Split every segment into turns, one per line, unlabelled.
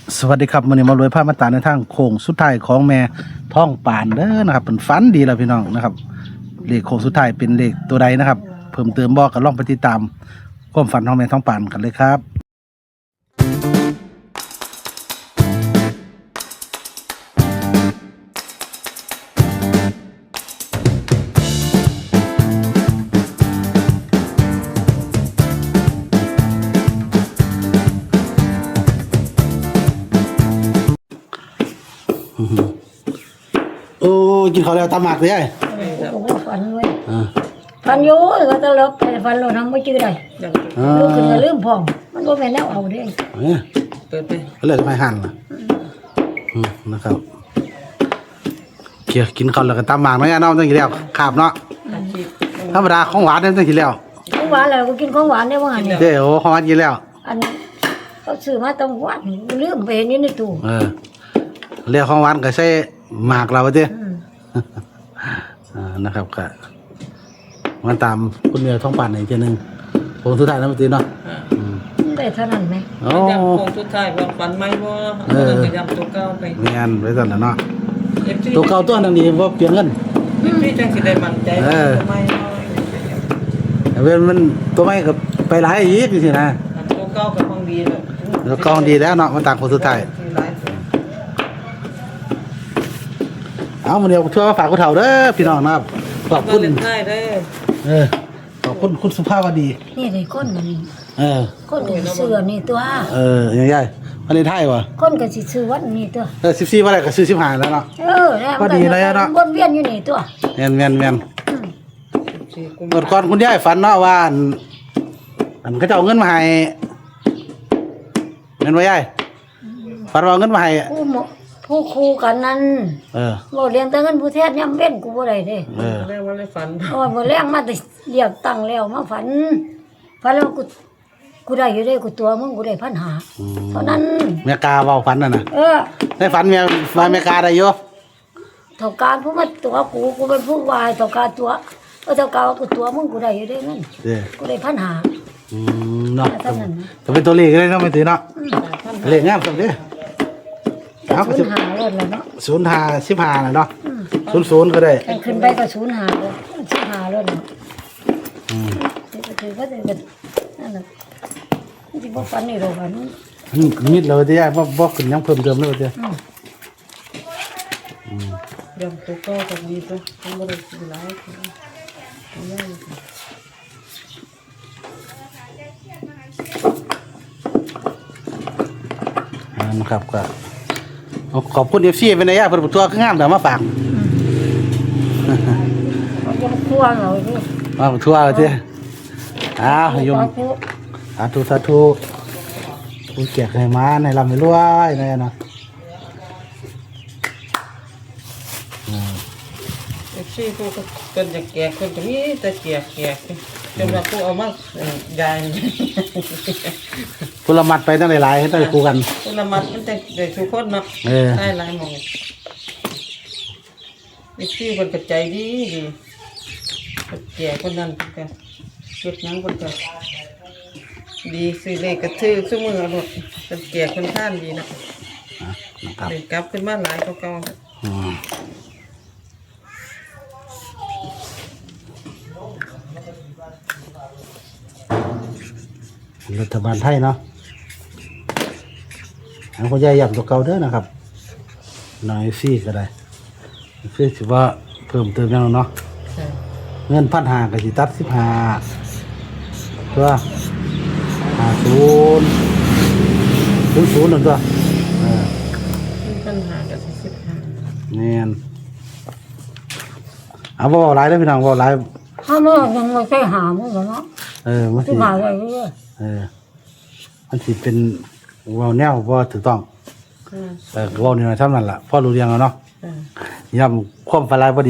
สวัสดีครับมื้อนี้มารวยภาพมาตราในทางโค้งสุดท้ายของแม่ท้องปานเด้อนะครับเป็นฝันดีแล้วพี่น้องนะครับเลขโค้งสุดท้ายเป็นเลขตัวใดนะครับเพิ่มเติมบ่ก็ลองไปติดตามความฝันของแม่ท้องปานกันเลยครับโอ้กินข้าวแล้วตามหมากเลยไอ้
กูก็ฝันเว้ยฝันอยู่ก็ตลกแต่ฝันเราทำไม่จืดเลยลูกขึ้นก็ลืมพ่องมันก็เป็นแล้วเอาเด้
เปิดไปเลยไม่หั่นล่ะนะครับเกี่ยวกินข้าวแล้วก็ตามหมากเนาะย่าเนาะต้องกินแล้วขาบเนาะธรรมดาของหวานเนี่ยต้องกินแล้ว
ของหวานแล้วก็กินของหวานได้ว่างั้นเนี่ย
เดี๋ยวของหวานกินแล้ว
อันเขาซื้อมาต้องหวานลืมไปเห็นอยู่ในตู้
เรียกของหวานก็ใส่หมากเราเจ้นะครับก็มันตามคุณเมียท้องปั่นอีกทีนึงโค้งสุดท้ายนะเมื่อกี้เนาะ
ได้เท่านั้นไหม
ยำโค้งสุดท้ายว่าฝันไหมว่าจะยำตัวเก่าไป
เมียนไว้ตอนนั้นเนาะตัวเก่าตัวนั้นนี่ว่าเปลี่ยนเงิน
พี่จังสิได้มั่นใจ
เว้นมันตัวไม่กับไปหลายอีกสินะ
ตัวเก่ากับของดี
แล้วกองดีแล้วเนาะมันต่างโค้งสุดท้ายเอามาเดียวช่วยฝากคุณเฒ่าเด้อพี่น้องนะครับขอบคุณขอบคุณคุณสุภาพวดี
นี่เลยคนมันคนก็สิซื้อนี่ตัว
ใหญ่ๆวันนี้ไทยวะ
คนก็สิซื้อวันนี้ตัว
14วันแรกก็ซื้อ15แล้วเนาะ
พอ
ดีเลยเนาะ
วนเวียนอยู่นี่ตัว
แม่นเมื่อก่อนคุณยายฝันเนาะว่าอันเขาจะเอาเงินมาให้เงินไว้ยายฝันว่าเงินมาให้
ผู้ครูกันนั้นบ่เรียนแต่เงินผู้แทศย่ำเว้นกูบ่ได้เด้
เรื่องว่าเลยฝัน
บ่แรงมาแต่เรียกตั้งแล้วมาฝันแล้วกูได้อยู่ได้กูตัวมึงกูได้1,500เท่านั้น
เมียกาเว้าฝันน่ะนะได้ฝันเมียกาได้อยู่
เท่าการผู้มาตัวกูเป็นผู้วายเท่าการตัวเท่าการกูตัวมึงกูได้อยู่ได้เงินกูได้1,500
เนาะจะเป็นตัวเลขได้เนาะไม่ตื่นเนาะเลขงามจังเด้
05รถแล้วเนาะ
05 15น่ะเนาะ00ก็ได้
ขึ้นไปก็05เลย15รถเนาะถือว่าได้นั่นน่ะสิบ่ฝันนี่ดอกฝัน
นิดแล้วเด้บ่ขึ้นยังเพิ่มเติมแล้วเด้
ยำตัวเก่ากับดีตัวมันบ่ได้หลาย
นะครับก็ขอบคุณ FC เป็นระยะเพิ่นตัวงามแต่มาฝาก
จะทั่วเราดิ
มาทั่วเด้ยมสาธุผู้แจกให้มาในลำให้รวยนั่นน่ะ
ที่ผู้คนจะแก่คนจะมีแต่แก่จนว่าผู้เอามายาย
ผู้ละมัดไปตั้งหลายๆให้ตั้งคู่กัน
ผู้ละมัดมันแต่ได้ทุกคนเนาะได้หลายหมองที่คนกระจายดีแก่คนนั้นกันเก็บยังคนกันดีซื้อเลขกระทือซื้อมือหมดเป็นแก่คนท่านดีนะเด็กกลับขึ้นมาหลายเก่า
รัฐบาลไทยเนาะทางคนใหญ่ย่ำตัวเก่าเด้อนะครับหน่อยซี่ก็ได้คือถือว่าเพิ่มเติมยังเนาะเงิน1,500ก็สิตัด15ตัว50นั่นตัว
1,500กับ15
นี่นเอาบ่หลายเด้อพี่น้องบ่หลาย
ถ้ามันยังไม่ใช่หามึงเนาะ
มันสิ
หาอะไร
มันสิเป็นเว้าแนวบ่ถูกต้องแต่เว้านี่น่ะซ้ำนั่นล่ะพอรู้เรื่องแล้วเนาะย่ำความฝันหลายพอดี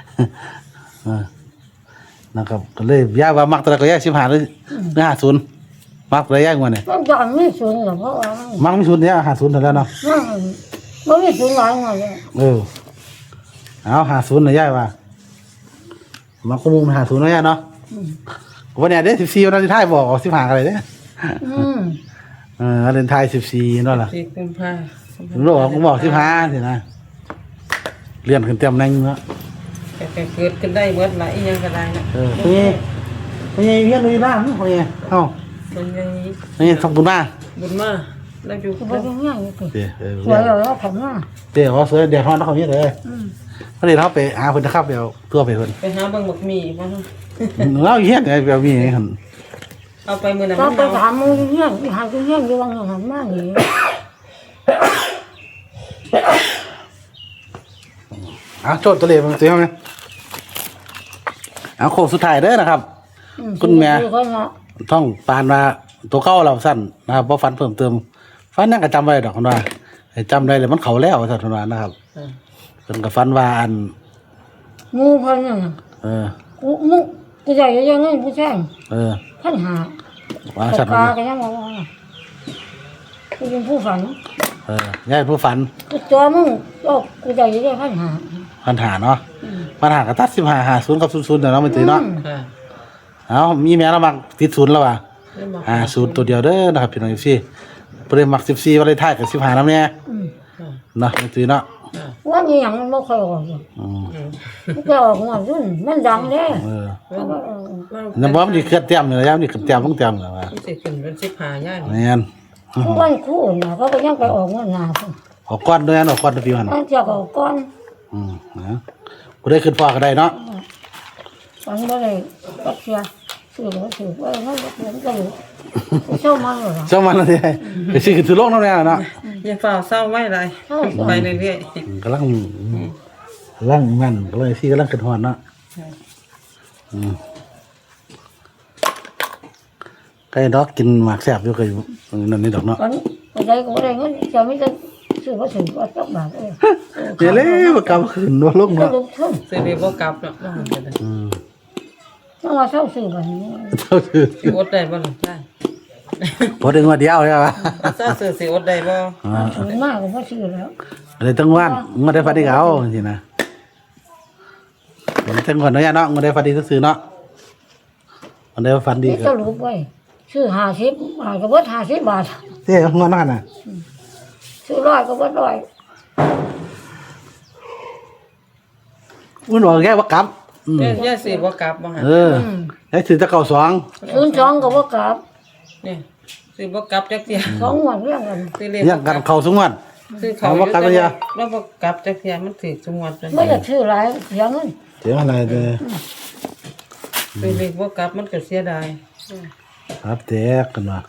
นะครับก็เลยย้ายว่ามักตะก็ย้าย15หรือ50มักเลยย้ายกว่านี่
มันจะไม่สูงหรอกเพราะว่า
มักมี0เนี่ย50นั่นแล้วเนาะ
มันไม่สูงหลายหน่อย
เอา50น่ะย้ายว่ามักมุม50น่ะย้ายเนาะวันนี้เด้14วันที่ท้ายบอก15อะไรเด้วาเลนไทน์14นั่นล่ะ
4 กุมภา
ลูกบอก15สินะเลื่อนขึ้นเต็มแรงเนาะ
แต่เกิดขึ้นได้เบิดละอีหยังก็ได้นะ
พี่เพี้ยนเลยบ้างพี่เอ้า
เป็นไง
นี่ทำบุญมา
บุญมาแล้วอยู่
ก็บ่ได้ง่ายอยู่ติ
เดี๋ยว
สวยแล้วผมว่า
เดี๋ยวเขาเสือเดี๋ยวเขาเขาเนี่ยเลยพอดีเขาไปหาคนนะครับเดี๋ยวตัวไปคน
ไปหาเบิ่งบักหมี่บ่ฮะ
เราเฮี้ยนไงเดี๋ยวมีไงคน
เอาไปมื้อนั้น
ก็
มัน
ไป
เอา
ถามมึงเฮียนหาเฮียนอยู่ว่าหันมานี่
โจทย์ตัวเล็กมันตัวไหมโค้งสุดท้ายเด้อนะครับ คุณแม่ ต้องปานว่าตัวเก้าเราสั้นนะครับเพราะฟันเพิ่มเติมฟันนั่งก็จำไว้ดอกคนว่าจำได้เลยมันเขาแล้วสัตว์คนว่านะครับเป็นกับฟันว่าอัน
งูพันน่ะกูมึงกูใหญ่ยังไงผู้แจ้งพันหา
ว่า
ต
สัตว์
กาก็ยังว่ากูเป็นผู้ฝัน
ย่ายผู้ฝัน
กูตัวมึงกูใหญ่ยังพันหา
ปัญหาเนาะปัญหากับตัด15 50กับ00เดี๋ยวเราไม่ตีเนาะ
ค่ะ
เอามีแม่เรามักติด0แล้วว่ะ
ได้บอก
0ตัวเดียวเด้อนะครับพี่น้องพี่เปรมัก14วันเลยท้ายกับ15นำแน่เนาะไม่ตีเนาะ
ว่านี่ยังมันไม่ค่อยออกมันจะออกมารุ่นมันดังเด้
น้ำบ่มันสิเคลื่อนเต็มเลยยามนี่ขึ้นเต็มลงเต็มแล้วว่า
มันสิขึ้นเป็น15ย่าน
แม่น
ทุกวันคู่นะเขาก็ยังไปออกเงินหนาพุ่น
ออกก้อนด้วยนะออกก้อนพี่มัน
ตั้งจากออกก้อน
นะกูได้ขึ้นพ่อก็ได้เนาะ
วันบ่ได้ก็เสียซื้อแล้วซื้อว่างั้นก็เงินก็อยู่เช่ามันเหรอ
เจ้ามันอะไรไปซื้อขึ้นถือโลกนั่นแหละเนาะ
อย่าฝ่าเศร้าไว้เลยไปเรื่อย
กำลังมันก็เลยซี่กำลังขึ้นฮอดเนาะใกล้ดอกกินหมากแซ่บอยู่เคยนั่นนี่ดอกเนาะ
วันใดก็บ่ได้เงินจะไม่ได้ซื้อว่าถึงว่าจักบาทเอ้ย
เดี๋ยวเลยบ่กลับขึ้นว่าลง
ก็
เนาะ
ลงทุน
ๆสิได้บ่กลับเนาะ
ต้องมาเช่าซื้อบัดนี้
เท่าถือ
สิอดได้บ่ล่ะได้
พอถึงว่าเดียวใช่ป่ะ
ถ้าซื้อสิอดได้บ่
ถึงมากก็บ่ซื้อแล้ว
อะไรตั้งวันมาได้ฟันดีเอาจริงๆนะมันตั้งวันเนาะเนาะมาได้ฟันดีก็ซื้อเนาะมันได้ฟันดี
นี่
ก็
จะรู้ไว้ซื้อ50บาทก็บ่50บาท
เท่งอนนั่นน่ะ
ซื้อ100ก็บ่100
มันบอกแค่ว่ากลับ
ย่าสิบ่กลับบ่ฮะ
แล้วถือตะเก่า2
02ก็บ่กลับ
นี่สิบ่กลับจักเที่ย
2งวดเรื่องกัน
สิ
เรื่องกันเข่าสงวน
คือเขาแล้วบ่กลับจักเที่ยมันสิสมวด
ไม่อยากซื้อหลายเสียเงิน
เสียอะไรเลย
คือเลขบ่กลับมันก็เสียดาย
ครับแตกกันว่า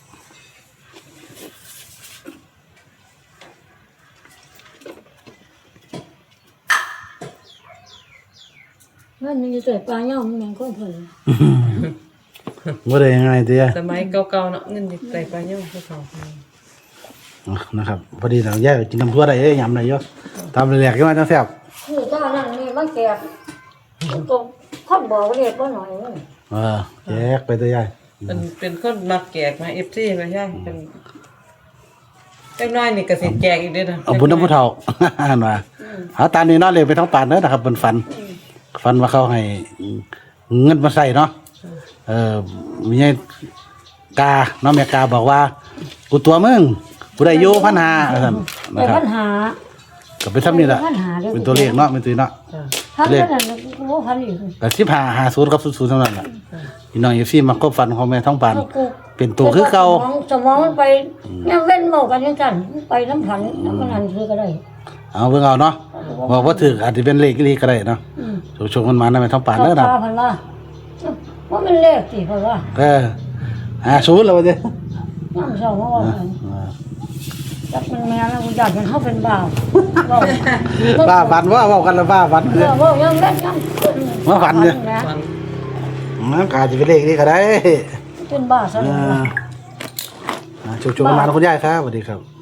เงินมันจะเกิดปลาเน่ามันยังคนเพิ่น
บ่ได้ยังไงเตี้ย
สมัยเก่าๆเนาะเงินใส่ไปเยอะเขา
นะครับพอดีหลังแยกกินน้ำทั่วได้ยำได้เยอะทำแหลกๆก็มาจังแซ่บ
คือเจ้านั่นนี่มันแก่ก็คนบอกเรียกว่าหน่อยนึง
แยกไปตัวใหญ่
เป็นคนมักแจกมา FC มาใช่เป็นจักน้อยนี่ก็สิแจกอีกเด้อนะ
เอาบุญน้ำผู้เฒ่า ว่าเอาตามนี้เนาะเลยไปท้องป่านเด้อนะครับเป็นฟันว่าเขาให้เงินมาใส่เนาะมีไงกาเนาะแม่กาบอกว่ากูตัวมึงกูได้อยู่1,500ซั่น
ไป
นะครับ
ปัญหา
ก็เป็นซ้ำนี่แหละเป็นตัวเลขเนาะเป็นตัวเนาะ
ทั้งนั้นกูบ่พันอีก
แต่15 50กับ00เท่านั้นแหละพี่น้องFCมาครบฟันของแม่ท้องป่านเป็นตัวคือเก่า
สมองมันไปยังเว้นเมากันจังซั่นไปน้ำผันน้ำมันหันคือก็ได้
เอาเบิ่งเอาเนาะบอกว่าถืออาจจะเป็นเลขอีหลีก็ได้เนาะโชคๆมันมานะแม่ท้องป่านเด้อนะ
พันว่าว่ามันเลขสิเพิ่นว่า
50แล้วว่าเด้
น้ำเศร้าว่าจักมันแม่แล้วกูอยากเห็นเฮาเป็นบ้า
บ้าฝันว่าเว้ากันแล้วบ้าฝันคือ
ว่ายังเล่นยัง
มาฝันเนี่ย
ฟัน
มันก็อาจจะเป็นเลขนี้ก็ได้
เป็นบ้าซะแล้ว
โชคๆมันมานะคุณยายครับสวัสดีครับ